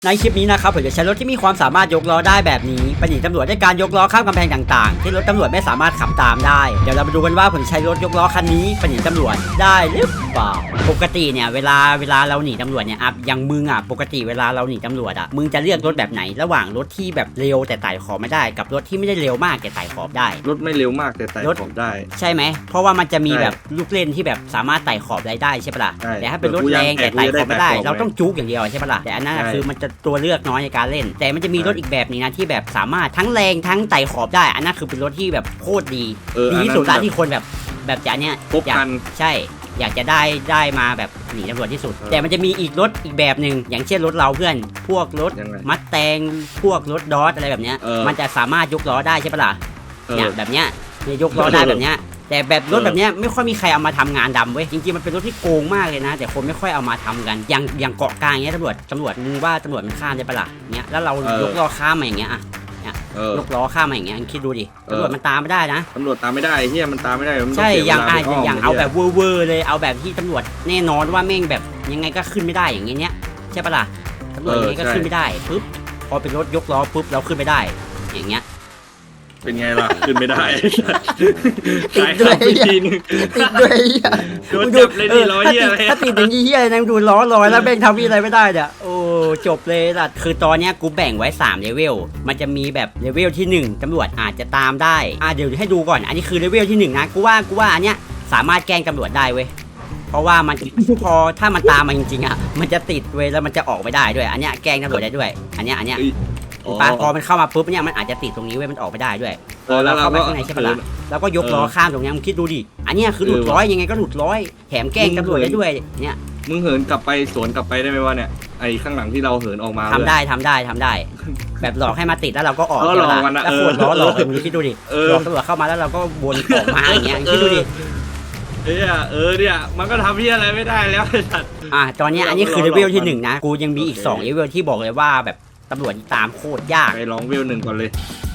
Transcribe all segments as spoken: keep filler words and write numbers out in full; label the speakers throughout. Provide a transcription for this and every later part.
Speaker 1: ในคลิปนี้นะครับผมจะใช้รถที่มีความสามารถยกล้อได้แบบนี้ไปหนีตำรวจด้วยการยกล้อข้ามกำแพงต่างๆที่รถตำรวจไม่สามารถขับตามได้เดี๋ยวเรามาดูกันว่าผมใช้รถยกล้อคันนี้ไปหนีตำรวจได้หรือเปล่าปกติเนี่ยเวลาเวลาเราหนีตำรวจเนี่ยอ่ะอย่างมึงอ่ะปกติเวลาเราหนีตำรวจอ่ะมึงจะเลือกรถแบบไหนระหว่างรถที่แบบเร็วแต่ไต่ขอบไม่ได้กับรถที่ไม่ได้เร็วมากแต่ไต่ขอบได้
Speaker 2: รถไม่เร็วมากแต่ไต่ขอบได้
Speaker 1: ใช่ไหมเพราะว่ามันจะมีแบบลูกเล่นที่แบบสามารถไต่ขอบได้ได้ใช่ปะล่ะแต่ถ้าเป็นรถแรงแต่ไต่ขอบไม่ได้เราต้องจุกอย่างเดียวใช่ปะล่ะแต่อันนั้นคือมันจะตัวเลือกน้อยในการเล่นแต่มันจะมีรถอีกแบบนี้นะที่แบบสามารถทั้งแรงทั้งไต่ขอบได้อันนั้นคือเป็นรถที่แบบโคตรดีดีที่สุดละที่คนแบบแบบจะเนี้ยอยากใช่อยากจะได้ได้มาแบบหนีตำรวจที่สุดแต่มันจะมีอีกรถอีกแบบหนึ่งอย่างเช่นรถเราเพื่อนพวกรถมัดแตงพวกรถดอสอะไรแบบเนี้ยมันจะสามารถยกล้อได้ใช่ปะล่ะเนี่ยแบบเนี้ยเนี่ยยกล้อได้แบบเนี้ยแต่แบบรถแบบนี้ไม่ค่อยมีใครเอามาทำงานดำเว้ยจริงๆมันเป็นรถที่โกงมากเลยนะแต่คนไม่ค่อยเอามาทำกันอย่างอย่างเกาะกลางเงี้ยตำรวจตำรวจมึงว่าตำรวจมันข้ามได้ปะล่ะเนี้ยแล้วเรายกล้อข้ามมาอย่างเงี้ยอ่ะเนี่ยยกล้อข้ามมาอย่างเงี้ยคิดดูดิตำรวจมันตามไม่ได้นะ
Speaker 2: ตำรวจตามไม่ได้เฮียมันตามไม่ได้
Speaker 1: ใช่อย่างอ่ะอย่างเอาแบบเวอร์เลยเอาแบบที่ตำรวจแน่นอนว่าแม่งแบบยังไงก็ขึ้นไม่ได้อย่างเงี้ยใช่ปะล่ะตำรวจยังไงก็ขึ้นไม่ได้ปุ๊บพอเป็นรถยกล้อปุ๊บเราขึ้นไม่ได้อย่างเงี้ย
Speaker 2: เป็นไงล่ะขึ้นไม่ได้
Speaker 1: ติดด้วยติดด้วย
Speaker 2: โดนจับเลยดิล้อเหี้ยอะไร
Speaker 1: ถ้าติดอย่างนี้เหี้ยนะดูล้อลอยแล้วแบ่งทำอะไรไม่ได้เนี่ยโอ้จบเลยล่ะคือตอนนี้กูแบ่งไว้สามเลเวลมันจะมีแบบเลเวลที่หนึ่งตำรวจอาจจะตามได้อ่ะเดี๋ยวให้ดูก่อนอันนี้คือเลเวลที่หนึ่งนะกูว่ากูว่าอันเนี้ยสามารถแกล้งตำรวจได้เว้ยเพราะว่ามันพอถ้ามันตามมาจริงๆอ่ะมันจะติดเว้ยแล้วมันจะออกไม่ได้ด้วยอันเนี้ยแกล้งตำรวจได้ด้วยอันเนี้ยอันเนี้ยปาพอมันเข้ามาปุ๊บเนี่ยมันอาจจะติดตรงนี้เว้ยมันออกไม่ได้ด้วย
Speaker 2: แล้วเรา
Speaker 1: เข้าไปข้างในใช่ปะล่ะแล้วก็ยกล้อข้ามตรงนี้มึงคิดดูดิอันนี้คือหลุดร้อยยังไงก็หลุดร้อยแถมแกล้งตำรวจได้ด้วยเนี่ย
Speaker 2: มึงเหินกลับไปสวนกลับไปได้ไหมวะเนี่ยไอ้ข้างหลังที่เราเหินออกมา
Speaker 1: ทำได้ทำได้ทำได้แบบหลอกให้มาติดแล้วเราก็ออกแล้วขวดล้อหลอกมึงคิดดูดิหลอกตำรวจเข้ามาแล้วเราก็วนออกมาอย่างเงี้ยคิดดูดิ
Speaker 2: เออเออเนี่ยมันก็ทำเพี้ยอะไรไม่ได้แล้วไอ้สัตว์
Speaker 1: อ่ะตอนนี้อันนี้คือเลเวลที่หนึ่งนะกูยังมีอีกสองเลเวลที่บอกเลยว่าแบบตำรวจตามโคตรยาก
Speaker 2: ไปลองเวลหนึ่งก่อนเลย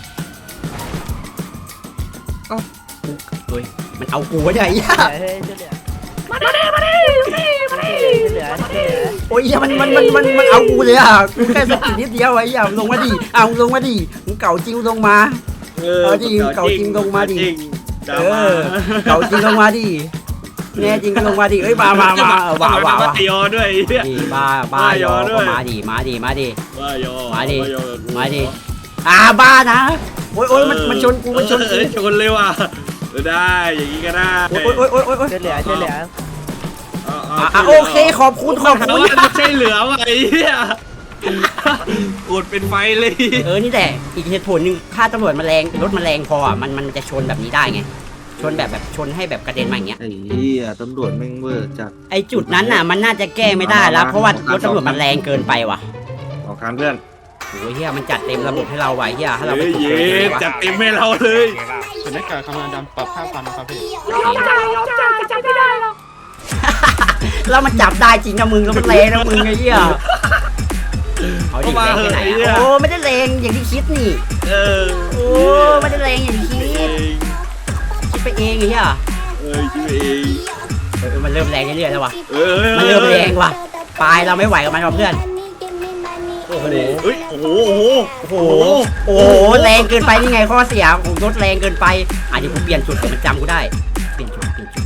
Speaker 1: เอ้าเฮ้ยมันเอากูไว้ได้ยากมาดิมาดิมาดิโอ้ยมันมันมันมันมันเอากูเลยอ่ะกูแค่สกิลนิดเดียวไอ้ย่าลงมาดิเอาลงมาดิมึงเก่าจริงลงมาเออจริงเก่าจริงลงมาดิเออเก่าจริงลงมาดิแน่จริงก็ลงมาดิเอ้ยมามามาว้าวว้าว
Speaker 2: ยอด้วย
Speaker 1: บ้าบ้ายอก็มาดิมาดิมาดิมาดิมาดิอ่าบ้านะโอ้ยโอ้ยมันมันชนกูมันชนกู
Speaker 2: ชนเลยว่ะได้อย่างนี้ก็ได้
Speaker 1: โอ้ยโอ้ยโอ้ยโอ้ย
Speaker 3: เฉลี่ยเฉลี่ย
Speaker 1: อ่าโอเคขอบคุณขอบคุณ
Speaker 2: ไม่ใช่เหลือว่ะไอ้เหี้ยอดเป็นไฟเลย
Speaker 1: เออนี่แต่อีกเหตุผลหนึ่งถ้าตำรวจมาแรงรถมาแรงพออ่ะมันมันจะชนแบบนี้ได้ไงชนแบบแบบชนให้แบบกระเด็นมาอย่างเงี้ย
Speaker 2: ไอ้เหี้ยตำรวจแม่งเวอร์จัด
Speaker 1: ไอจุดนั้นน่ะมันน่าจะแก้ไม่ได้แล้วเพราะว่ารถตำรวจมันแรงเกินไปว่ะ
Speaker 2: ออกการเพื่อน
Speaker 1: โอ้ยเฮียมันจัดเต็มระบบให้เราไว้เฮียถ้าเราไม่ถูก
Speaker 2: เลยจัดเต็มให้เราเลย
Speaker 4: เป็นนักการคำนวณดำปรับค่าฟันนะครับพี่
Speaker 1: ยอมจ่ายยอมจ่ายจับไม่ได้หรอกแล้วมันจับได้จริงนะมึงแล้วมันแรงนะมึงไอ้เหี้ยเอาดิแรงไปไหนโอ้ไม่ได้แรงอย่างที่คิดนี่
Speaker 2: เออ
Speaker 1: โอ้ไม่ได้แรงอย่างที่คิดคิดไปเองไอ้เหี้ย
Speaker 2: เออคิดไปเอง
Speaker 1: เออมันเริ่มแรงเรื่อยๆแล้วว่ะมันเริ่มแรงว่ะปลายเราไม่ไหวกับมันหรอกเพื่อน
Speaker 2: โอ้โหโอ้โหโอ้โห
Speaker 1: โอ้โหแรงเกินไปนี่ไงข้อเสียของรถแรงเกินไปอ่ะเดี๋ยวกูเปลี่ยนจุดเดี๋ยวมันจำกูได้เปลี่ยนจุดเปลี่ยนจุด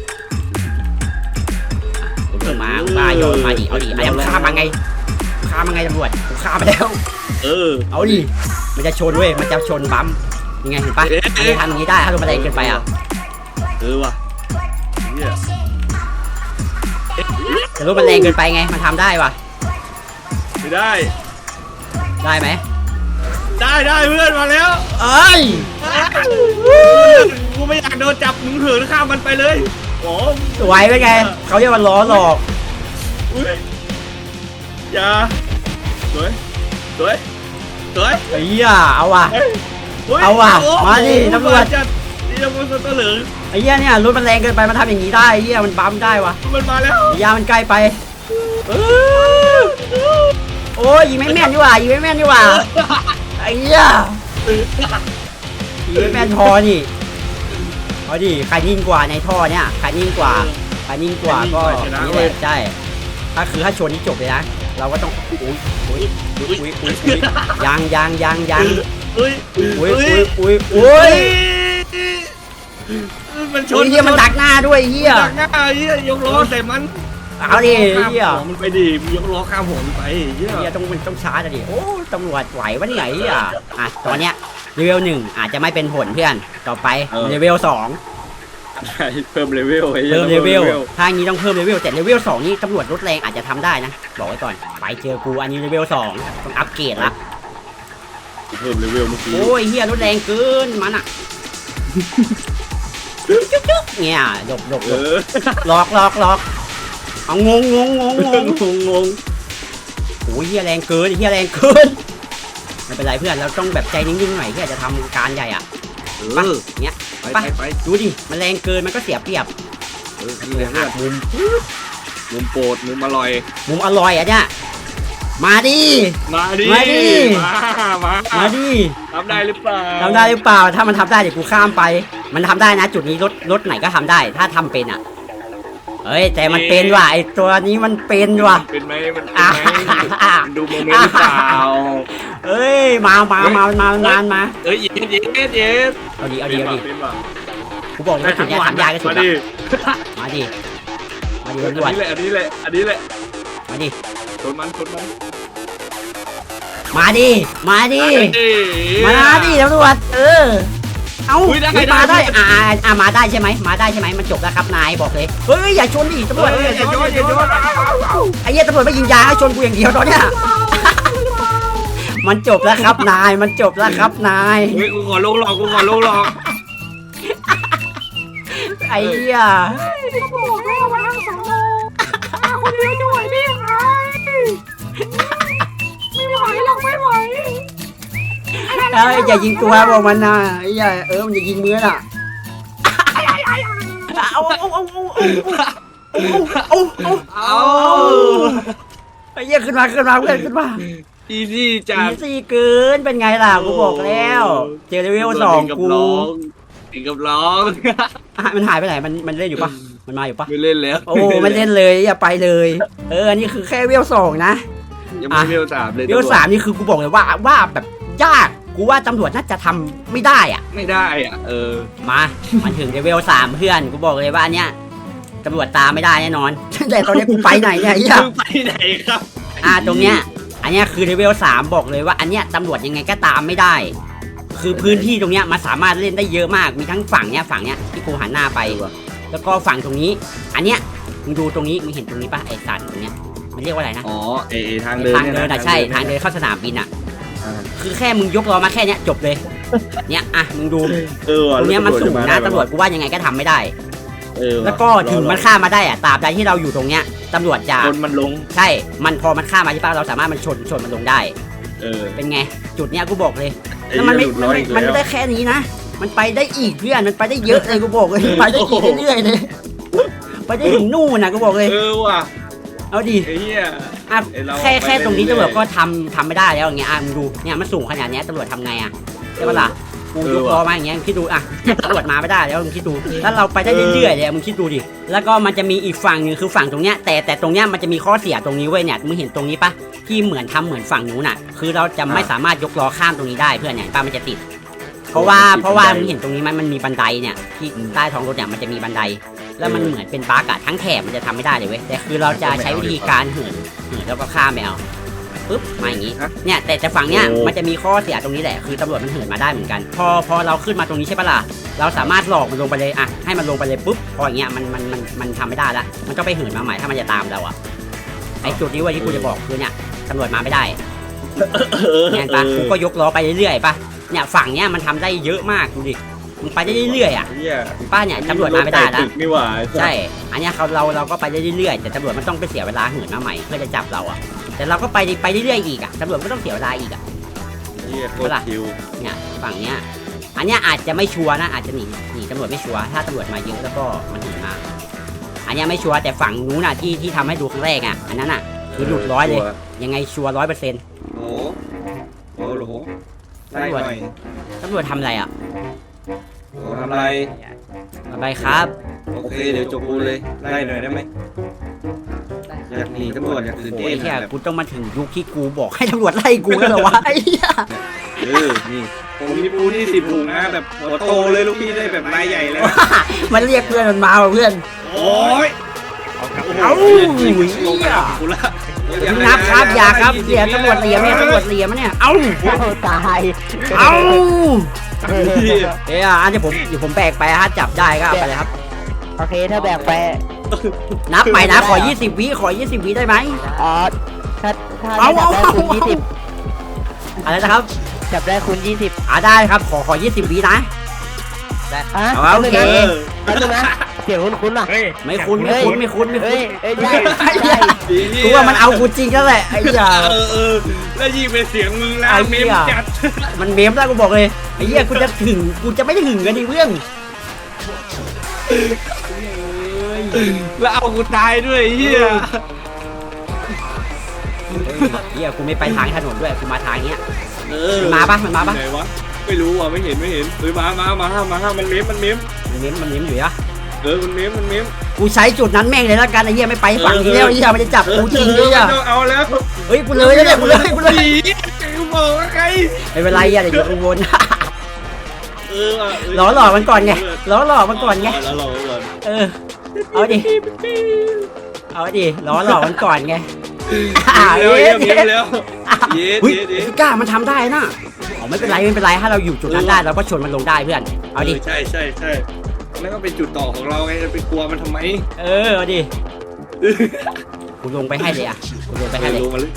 Speaker 1: กูมาบ้ายอมมาดิเอาดิไอ้ยังฆ่ามาไงฆ่ามาไงตำรวจกูฆ่ามาแล้ว
Speaker 2: เออ
Speaker 1: เอาดิมันจะชนเว้ยมันจะชนบั๊มยังไงเห็นปะมันจะทำอย่างนี้ได้ถ้ารถมันแรงเกินไปอ่ะ
Speaker 2: เออว่ะ
Speaker 1: แต่รถมันแรงเกินไปไงมันทำได้ว่ะ
Speaker 2: ไม่ได้
Speaker 1: ได้ไหม
Speaker 2: ได้ได้เพื่อนมาแล้ว
Speaker 1: เอ้ย
Speaker 2: กูไม่อยากโดนจับมึงเหินข้ามมันไปเลยโอ้
Speaker 1: สวยเป็นไงเขาเรียกว่าล้อหลอก
Speaker 2: อย่าสวยสวยสวย
Speaker 1: ไอ้เหี้ยเอาว่ะเอาว่ะมาดิตำรวจ
Speaker 2: นี่ตำรวจตัวเหลือง
Speaker 1: ไอ้เหี้ยเนี่ยรถมันแรงเกินไปมันทำอย่างนี้ได้ไอ้เหี้ยมันบั๊มได้ว่ะ
Speaker 2: มันมาแล้ว
Speaker 1: ยามันใกล้ไปโอ้ยยิงไม่แม่นดีกว่ายิงไม่แม่นดีกว่าไอ้เหี้ยยิงไม่แม่นพอนี่เอาดิใครนิ่งกว่าในท่อเนี่ยใครนิ่งกว่าใครนิ่งกว่าก็นี่แหละใช่ถ้าคือถ้าชนนี่จบเลยนะเราก็ต้องอุ้ยอุ้ยอุ้ยอุ้ยอุ้ยอุ้ยยังยังยังยัง
Speaker 2: อุ้ย
Speaker 1: อุ้ยอุ้ยอุ้ยอุ้ย
Speaker 2: มันช
Speaker 1: โอ้
Speaker 2: น
Speaker 1: ยเฮียมันดักหน้าด้วยเฮีย
Speaker 2: ดักหน้าเฮียยกล้อใส่มัน
Speaker 1: เอาดิเฮีย
Speaker 2: มันไปดิยกล้อข้ามหัวมันไปเฮีย
Speaker 1: เฮียต้องมันต้องชาร์จอะดิโอ้ตำรวจไหววะเนี่ยเฮียอ่ะตอนเนี้ยเลเวลหนึ่งอาจจะไม่เป็นผลเพื่อนต่อไปเลเวลสอง
Speaker 2: เพิ่มเลเวล
Speaker 1: เพิ่มเลเวลถ้าอย่างนี้ต้องเพิ่มเลเวลแต่เลเวลสองนี่ตำรวจรถแรงอาจจะทำได้นะบอกไว้ก่อนไปเจอกูอันนี้เลเวลสองต้องอัปเกรดละ
Speaker 2: เพิ่มเลเวลเมื่อกี้
Speaker 1: โอ้ยเฮียรถแรงเกินมันอะจุ๊บจุ๊บเนี่ยหลบหลบหลบหลอกหลอกหลอกเอางงงงงงงงงงโอ้ยเฮียแรงเกินเฮียแรงเกินไม่เป็นไรเพื่อนเราต้องแบบใจนิ่งๆหน่อยที่อาจจะทำการใหญ่อ่ะไปเนี้ย
Speaker 2: ไปไปไป
Speaker 1: ดูดิมันแรงเกินมันก็เสียเปรียบ
Speaker 2: เออนี่หักมุมมุมโปรดมุมอร่อย
Speaker 1: มุมอร่อยอ่ะเนี่ยมาดิ
Speaker 2: มาดิ
Speaker 1: มาดิ
Speaker 2: มามา
Speaker 1: มาดิ
Speaker 2: ทำได้หรือเปล่า
Speaker 1: ทำได้หรือเปล่าถ้ามันทำได้เดี๋ยวกูข้ามไป มันทำได้นะจุดนี้รถรถไหนก็ทำได้ ถ้าทำเป็นอ่ะเฮ้ยแต่มันเป็นว่ะไอตัวนี้มันเป็นว่ะ
Speaker 2: เป็นไหมมันเป็น
Speaker 1: อ่ะ
Speaker 2: ไหมมันดูโมเมนต์หรือเปล่า
Speaker 1: เอ้ยมามามามามามา
Speaker 2: เอ้ยเย็ดเย็ดเย็ด
Speaker 1: เอาดิเอาดิเอาดิ
Speaker 2: เป็นป่ะ
Speaker 1: กูบอกเลยว่าจุดเนี้ยทำยากที่สุด
Speaker 2: มา
Speaker 1: ละ
Speaker 2: ดิ
Speaker 1: มาดิมาดิ
Speaker 2: อัน
Speaker 1: ตำรวจ
Speaker 2: นี้แหละอันนี้แหละอันนี้แหละ
Speaker 1: มาดิ
Speaker 2: ชนมันชนมัน
Speaker 1: มาดิมาดิมาดิตำรวจเออเอา
Speaker 2: อุ๊ยได้
Speaker 1: อุ๊ย
Speaker 2: ได้
Speaker 1: มาได้
Speaker 2: ได้
Speaker 1: อ่าอ่าอ่ามาได้ใช่ไหมมาได้ใช่ไหมมันจบแล้วครับนายบอกเลยเฮ้ยอย่าชนดิตำรวจ
Speaker 2: เฮ้ยอย่าโยนอย่าโยน
Speaker 1: ไอ้เหี้ยตำรวจไม่ยิงยาให้ชนกูอย่างเดียวตอนเนี้ย มันจบแล้วครับนาย มันจบแล้วครับนาย
Speaker 2: เฮ้ยกูขอลงหลอกกูขอลงหลอก
Speaker 1: ไอ้เหี้ย
Speaker 3: บอกให้เอามาทางสอนอมาคนเดียวจะไหวได้ยังไงไม่ไหวหรอกไม่ไหว
Speaker 1: เอ้ยอย่ายิงตัวบอกมันนะไอ้เหี้ยเออมันจะยิงมือน่ะเอาเอาเอาเอาเอาเอาเอา
Speaker 2: เอา
Speaker 1: ไอ้เหี้ยขึ้นมาขึ้นมาเพื่อนขึ้นมา
Speaker 2: อีซี่จั
Speaker 1: อี
Speaker 2: ด
Speaker 1: ซี่เกินเป็นไงล่ะกูบอกแล้วเจอเลเวลสองกู
Speaker 2: ถึงกับร้อง
Speaker 1: อ่ะมันหายไปไหนมันมันเล่นอยู่ปะมันมาอยู่ปะ
Speaker 2: ไม่เล่นแล้ว
Speaker 1: โอ้มันเล่นเลยอย่าไปเลย เอออันนี้คือแค่เวลสองนะ
Speaker 2: ยังไม่เวลสามเลย
Speaker 1: เวลสามนี่คือกูบอกเลยว่าว่าแบบยากกูว่าตำรวจน่าจะทำไม่ได้อ่ะ
Speaker 2: ไม่ได้อ่ะเออ
Speaker 1: มามันถึงเลเวลสามเพื่อนกูบอกเลยว่าอันเนี้ยตำรวจตามไม่ได้แน่นอน แต่ตอนนี้กูไปไหนเนี่ยไอ้เหี้ย
Speaker 2: มึงไปไหนครับ
Speaker 1: อ่าตรงเนี้ยอันเนี้ยคือเลเวลสามบอกเลยว่าอันเนี้ยตำรวจยังไงก็ตามไม่ได้ คือพื้นที่ตรงเนี้ยมันสามารถเล่นได้เยอะมากมีทั้งฝั่งเนี้ยฝั่งเนี้ยที่กูหันหน้าไปแล้วก็ฝั่งตรงนี้ อันเนี้ยมึงดูตรงนี้มึงเห็นตรงนี้ปะไอ้สันตรงเนี้ยมันเรียกว่าอะไรนะ
Speaker 2: อ๋อเอเอทางเดิน
Speaker 1: ทางเดินอ่ะใช่ทางเดินเข้าสนามบินอ่ะ
Speaker 2: อ่า
Speaker 1: คือแค่มึงยกล้อมาแค่เนี้ยจบเลย เนี่ยอ่ะมึงดู
Speaker 2: เออว่ะ
Speaker 1: ตรงเนี้ยมันสูงนะตำรวจกูว่ายังไงก็ทำไม่ได้
Speaker 2: เออว่ะ
Speaker 1: แล้วก็ถึงมันข้ามมาได้อ่ะตราบใดที่เราอยู่ตรงเนี้ยตำรวจจะ
Speaker 2: คนมันลง
Speaker 1: ใช่ มันพอมันข้ามมาที่ป้าเราสามารถมันชนชนมันลงได้
Speaker 2: เออ
Speaker 1: เป็นไงจุดเนี้ยกูบอกเลย
Speaker 2: ไอ้
Speaker 1: แล้วมันไม่
Speaker 2: หลุด
Speaker 1: มัน
Speaker 2: ร้อย
Speaker 1: ไม่
Speaker 2: อีก
Speaker 1: มันไม่
Speaker 2: แล้ว
Speaker 1: ได้แค่นี้นะ มันไปได้อีกเพื่อนมันไปได้เยอะเลยกูบอกเลยไปได้อีกเรื่อยๆเลยไปได้ถึงนู่นนะกูบอกเลย
Speaker 2: เออว่ะ
Speaker 1: เอาดิ
Speaker 2: ไอ้เหี้ย
Speaker 1: อ่ะ
Speaker 2: ไอ้เรา
Speaker 1: แค่แค่ตรงนี้
Speaker 2: ไปเรื่
Speaker 1: ตำร
Speaker 2: อ
Speaker 1: วย จ
Speaker 2: ๆ
Speaker 1: ก็ทำทำไม่ได้แล้วอย่างเงี้ยอ่ะมึงดูเนี่ยมันสูงขนาดเนี้ยตำรวจทำไงอ่ะใช่ปะล่ะกู
Speaker 2: เออย
Speaker 1: ก
Speaker 2: ว่ะ
Speaker 1: ล้อมาอย่างเงี้ยมึงคิดดูอ่ะตำรวจมาไม่ได้แล้วมึงคิดดูถ้าเราไปได้เรื่อยๆเลยมึงคิดดูดิแล้วก็มันจะมีอีกฝั่งหนึงคือฝั่งตรงเนี้ยแต่แต่ตรงเนี้ยมันจะมีข้อเสียตรงนี้เว้ยเนี่ยมึงเห็นตรงนี้ปะที่เหมือนทำเหมือนฝั่งนู้นน่ะ คือเราจะไม่สามารถยกล้อข้ามตรงนี้ได้เพื่อนเนี่ยป้ามันจะติด เพราะว่าเพราะว่ามึงเห็นตรงนี้มันมันมีบันไดเนี่ยที่ใต้ท้องรถเนี่ยมันจะมีบันได แล้วมันเหมือนเป็นบั๊กอะทั้งแถบมันจะทำไม่ได้เลยเว้ยแต่คือเราจะใช้วิธีการเหินเหินแล้วก็ข้ามไปเอาปึ๊บมาอย่างงี้เนี่ยแต่แต่ฝั่งเนี้ยมันจะมีข้อเสียตรงนี้แหละคือตำรวจมันเหินมาได้เหมือนกัน พอพอเราขึ้นมาตรงนี้ใช่ปะล่ะเราสามารถหลอกมันลงไปเลยอะให้มันลงไปเลยปุ๊บพออย่างเงี้ยมันมันมันมันทำไม่ได้ละมันต้องไปเหินมาใหม่ถ้ามันจะตามเราอะไอ้จุดนี้เว้ยที่กูจะบอกคือเนี่ยตำรวจมาไม่ได้เนี่ยปะกูก็ยกล้อไปเรื่อยๆปะเนี่ยฝั่งเนี้ยมันทำได้เยอะมากดูดิมึงไปได้เรื่อยๆอะ
Speaker 2: เหี้ย
Speaker 1: ป้าเนี่ยตำรวจมาไม่ได้
Speaker 2: ตึ
Speaker 1: นะ
Speaker 2: กนี่หว่า
Speaker 1: ใช่ อันเนี้ยเขาเราเราก็ไปได้เรื่อยๆแต่ตำรวจมันต้องไปเสียเวลาเหินมาใหม่เพื่อจะจับเราอ่ะแต่เราก็ไปไปเรื่อยๆอีกอ่ะตำรวจก็ต้องเสียเวลาอีกอ่ะ
Speaker 2: เหี้ยโคตรคิว
Speaker 1: เนี่ยฝั่งเนี้ยอันเนี้ยอาจจะไม่ชัวร์นะอาจจะหนีหนีตำรวจไม่ชัวร์ถ้าตำรวจมาเยอะแล้วก็มันหนีมาอันเนี้ยไม่ชัวร์แต่ฝั่งนู้นน่ะที่ที่ทำให้ดูครั้งแรกอ่ะอันนั้นอ่ะคือหลุดร้อยเลยยังไงชัวร์ร้อยเปอร์เซ็นต์
Speaker 2: โอ้โหโหไล่หน่อย
Speaker 1: ตำรวจทำอะไรอ่ะ
Speaker 2: โอ้ทำไร
Speaker 1: อะไรครับ
Speaker 2: โอเคเดี๋ยวจบกูเลยไล่หน่อยได้ไหม
Speaker 1: ไ
Speaker 2: อยากหนีตำรวจอยากตื่น
Speaker 1: โอ้
Speaker 2: เต้
Speaker 1: ย
Speaker 2: น
Speaker 1: แค่
Speaker 2: แบบ
Speaker 1: กูต้องมาถึงยุคที่กูบอกให้ตำรวจไล่กูแล้วเหรอวะไอ้เหี้ย
Speaker 2: เออนี่ผมมีปูนี่สิบถุงนะแบบหัวโตเลยลูกพี่ได้แบบรายใหญ่เลย
Speaker 1: มันเรียกเพื่อนมันมาว่ะเพื่อน
Speaker 2: โอ้ย
Speaker 1: เอ้า
Speaker 2: ลงมากูละ
Speaker 1: นับครับอย่าครับเสียตำรวจเหลี่ยมเนี่ยตำรวจเหลี่ยมเนี่ยเอ้า
Speaker 3: ตาย
Speaker 1: เอ้าเอ้ยอันนี้ผมเดี๋ยวผมแบกไปถ้าจับได้ก็เอาไปเลยครับ
Speaker 3: โอเคถ้าแบกไป
Speaker 1: นับใหม่นะขอยี่สิบวิขอยี่สิบวิได้ไหม
Speaker 3: อ๋อถ้าถ้า
Speaker 1: เอา
Speaker 3: จับได้
Speaker 1: เอา
Speaker 3: คุณยี่สิบ
Speaker 1: อะไรนะครับ
Speaker 3: จับได้คุณยี่สิบ
Speaker 1: อ่าได้ครับขอขอยี่สิบวินะ
Speaker 3: อ่ะ
Speaker 1: เอาโอเค
Speaker 3: แป๊บนึงนะเสียงคุ้นคุ้นๆอ่ะ
Speaker 1: ไม่คุ้นไม่คุ้นไม่คุ้นไม่
Speaker 3: เฮ้
Speaker 1: คุ้
Speaker 3: ย
Speaker 1: น
Speaker 3: เอ้ยใช่
Speaker 1: ไอ้
Speaker 3: ใช่
Speaker 1: เหี้ยกูว่ามันเอากูจริงแล้วแหละไอ้เหี้ย
Speaker 2: เออเออแล้วยิงเป็นเสียงมึงแล้วเมมจัด
Speaker 1: มันเมมได้กูบอกเลยไอ้เหี้ยกูจะถึงกูจะไม่ได้หึงกันดิเพื่อน
Speaker 2: แล้วเอากูตายด้วยเฮีย
Speaker 1: เหี้ยกูไม่ไปทางถนนด้วยกูมาทางเนี้ย
Speaker 2: เออ
Speaker 1: มันมาปะมันมาปะ
Speaker 2: ไหนวะไม่รู้ว่ะไม่เห็นไม่เห็นเฮ้ยมามามามามามันเมมมันเมม
Speaker 1: มันเมมมันเมมอยู่อะ
Speaker 2: เออมันเมมมันเมม
Speaker 1: กูใช้จุดนั้นแม่งเลยแล้วกันไอ้เหี้ยไม่ไปฝั่งนี้แล้วไอ้เหี้ยมันจะจับกูจริงเลยอ่ะ
Speaker 2: เอาแล้ว
Speaker 1: เฮ้ยกูเลยแล้วเนี่ยกูเลยกูเลย
Speaker 2: ผีกูบอกว่าใคร
Speaker 1: ไม่เป็นไรอ่ะเดี๋ยวกูวน
Speaker 2: เออ
Speaker 1: ล้อหลอกมันก่อนไงล้อหลอกมันก่อนไง
Speaker 2: ล้อหลอกมันก่อน
Speaker 1: เออเอาดิเอาดิล้อหลอกมันก่อนไง
Speaker 2: เร็วเร็วเร็วเร็วเย็ด
Speaker 1: เฮ้ย
Speaker 2: เย็ดเย็ด
Speaker 1: กล้ามันทำได้นะอ๋อไม่เป็นไรไม่เป็นไรถ้าเราอยู่จุดนั้นได้เราก็ชนมันลงได้เพื่อนเอาดิ
Speaker 2: ใช่ใช่ใช่นั่นก็เป็นจุดต่อของเราไงจะไปกลัวมันทำไม
Speaker 1: เออเอาดิกูลงไปให้เลยอ่ะกูลงไปให้เลย
Speaker 2: ลงมาเลย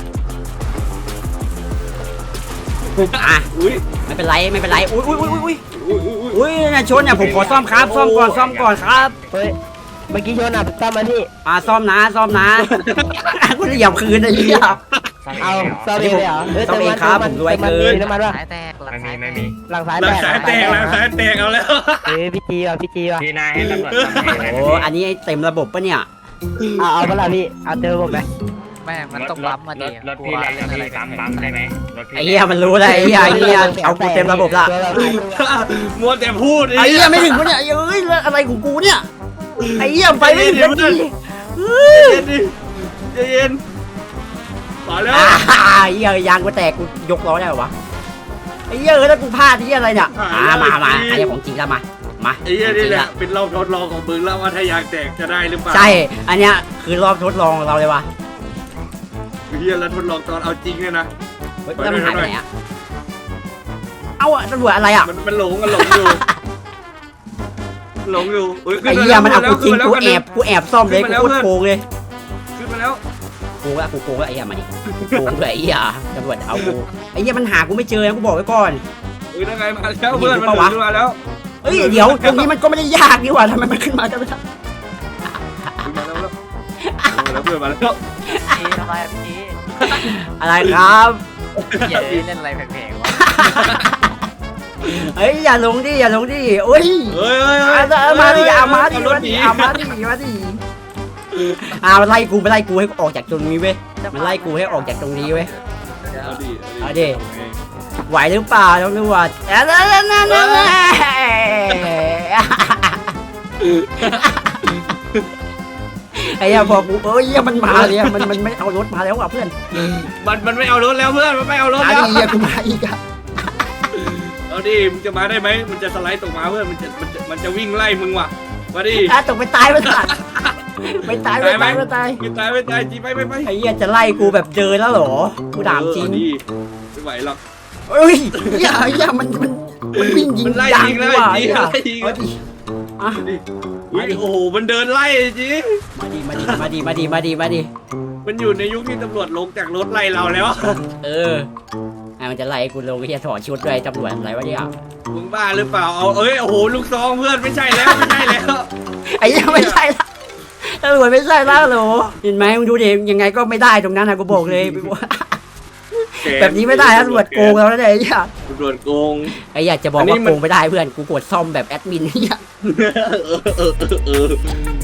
Speaker 1: อ่ะ
Speaker 2: อุ้ย
Speaker 1: ไม่เป็นไรไม่เป็นไรอุ้ยอุ้ยอุ้ยอุ้ย
Speaker 2: อุ้ยอุ้ย
Speaker 1: อุ้ยเนี่ยชนเนี่ยผมขอซ่อมครับซ่อมก่อนซ่อมก่อนครับ
Speaker 3: เฮ้ยเมื่อกี้ชนอ่ะตั้มมาที่
Speaker 1: อ่าซ่อมนะซ่อมนะกูจะเหยียบคืนไอ้เหี้ย
Speaker 3: เอาซ่อมเองเลยเหรอเฮ้ย
Speaker 1: ซ่อมเองครับผมรวยเกิน
Speaker 3: น้ำมันวะ
Speaker 5: สายแตกหลัง
Speaker 6: ไม่
Speaker 5: สา
Speaker 6: มี
Speaker 5: ยแต
Speaker 6: ไม่
Speaker 5: ก
Speaker 6: มี
Speaker 3: หลังสาย
Speaker 2: หลั
Speaker 3: แต
Speaker 2: ง
Speaker 3: ก
Speaker 2: สายแตกหลังสายแตกเอาแล้ว
Speaker 3: เฮ้ยพี่จีว่ะพี่จีว่ะ
Speaker 6: พี่นายให้ตำรวจทำให้
Speaker 1: โอ้อันนี้เต็มระบบปะเนี่ย
Speaker 3: เอาเอาเปล่าพี่เอาเจอผมไหม
Speaker 5: แม่มันต้องปั๊มมาดิ
Speaker 6: รถพี่แล้วพี่ปั๊มปั๊มได้ไหมรถพี่
Speaker 1: ไอ้เหี้ยมันรู้แล้วไอ้เหี้ยไอ้เหี้ยเอากูเต็มระบบละ
Speaker 2: มัวแต่พูด
Speaker 1: ไอ้เหี้ยไม่ถึงปะเนี่ยเอ้ยแล้วอะไรของกูเนี่ยไอ้เหี้ยไปไม่ถึงนาที
Speaker 2: เย็นดิเย็นมาแล้ว
Speaker 1: อ่าไอ้เหี้ยยางกูแตกกูยกล้อได้เหรอวะไอ้เหี้ยเออแล้วกูพลาดที่อะไรเนี่ยอ่ามามาอันนี้ของจริงแล้วมามา
Speaker 2: ไอ้เหี้ยนี่แหละเป็นรอบทดลองของมึงแล้วว่าถ้ายางแตกจะได้หรือเปล่า
Speaker 1: ใช่อันเนี้ยคือรอบทดลองของเราเลยวะ
Speaker 2: เหี้ยแล้วทดลองตอนเอาจริงเนี่ยนะ
Speaker 1: เฮ้ยแล้วมันหายไปไหนอะเอาอะตำรวจอะไรอะ
Speaker 2: มันมันหลงมันหลงอยู่หลงอยู่
Speaker 1: ไอ้เหี้ยมันเอากูจริงกูแอบกูแอบซ่อมเลยกูโคตรโกงเลย
Speaker 2: ขึ้นมาแล้ว
Speaker 1: โกงละกูโกงละไอ้เหี้ยมาดิโกงด้วยไอ้เหี้ยตำรวจเอากูไอ้เหี้ยมันหากูไม่เจอนะกูบอกไว้ก่อน
Speaker 2: เฮ้ยนั่งไงมาแล้วเพื่อนมันขึ้นมาแล้ว
Speaker 1: เฮ้ยเดี๋ยวตรงนี้มันก็ไม่ได้ยากนี่หว่าทำไมมันขึ้นมากันไม่ได้
Speaker 2: มาแล้วแล้วเพื่อนมาแล้ว
Speaker 5: จีทำไมพี่จี
Speaker 1: อะไรครับ
Speaker 5: เหี้ยเล่นอะไรแพงๆวะ
Speaker 1: เฮ้ยอย่าลงดิอย่าลงดิโอ้ย
Speaker 2: เฮ้ยเฮ้ย
Speaker 1: เอามาดิเอามาดิมาดิเอามาดิมาดิอ่ามันไล่กูมันไล่กูให้ออกจากตรงนี้เว้ยมันไล่กูให้ออกจากตรงนี้เว้ย
Speaker 2: เอาดิ
Speaker 1: เอาดิ ไหวหรือเปล่าตำรวจเอ้ยนั่นนั่นนั่นนั่นไอ้เหี้ยพอกูเอ้ยมันมาเลยมันมันไม่เอารถมาแล้วอ่ะเพื่อน
Speaker 2: มันมันไม่เอารถแล้วเพื่อนมันไม่เอารถ
Speaker 1: อัน
Speaker 2: แล้ว
Speaker 1: นี้กูมาอีกอ่ะ
Speaker 2: เอาดิมึงจะมาได้ไหมมันจะสไลด์ตกมาเพื่อนมันจะมันจะมันจะวิ่งไล่มึงว่ะมาดิ
Speaker 1: อ่ะตกไปตายไปตายไปตายไปตายไปตาย
Speaker 2: ไม่ตายไม่ตายจีไปไปไป
Speaker 1: ไอ้เหี้ยจะไล่กูแบบเจอแล้วเหรอกูถามจริง
Speaker 2: ดิไม่ไหวหรอก
Speaker 1: เฮ้ยเหี้ยเหี้ยมันมันมันวิ่งยิง
Speaker 2: มันไล่
Speaker 1: ยาง
Speaker 2: ยิง
Speaker 1: กู
Speaker 2: ไล่
Speaker 1: ว่ะ
Speaker 2: ยิง
Speaker 1: เหี้ย
Speaker 2: ไล่ยิง
Speaker 1: เอาดิอ่ะ
Speaker 2: ดิอุ้ยโอ้โหมันเดินไล่จี
Speaker 1: มาดิมาดิมาดิมาดิมาดิมาดิ
Speaker 2: มันอยู่ในยุคที่ตำรวจลงจากรถไล่เราแล้ว
Speaker 1: เออไอ้มันจะไล่กูลงไอ้เหี้ยถอดชุดด้วยตำรวจอะไรวะเนี่ย
Speaker 2: มึงบ้าหรือเปล่าเอาเอ้ยโอ้โหลูกซองเพื่อนไม่ใช่แล้วไม่ใช่แล้ว
Speaker 1: ไอ้เหี้ยไม่ใช่ละตำรวจไม่ใช่ละเหรอเห็นไหมมึงดูดิยังไงก็ไม่ได้ตรงนั้นนะกูบอกเลยแบบนี้ไม่ได้นะตำรวจโกงเราแล้วเนี่ยไอ้เหี้ย
Speaker 2: ตำรวจโกง
Speaker 1: ไอ้เหี้ยจะบอกว่าโกงไม่ได้เพื่อนกูกดซ่อมแบบแอดมินไอ้เหี้ย
Speaker 2: เออเออเออ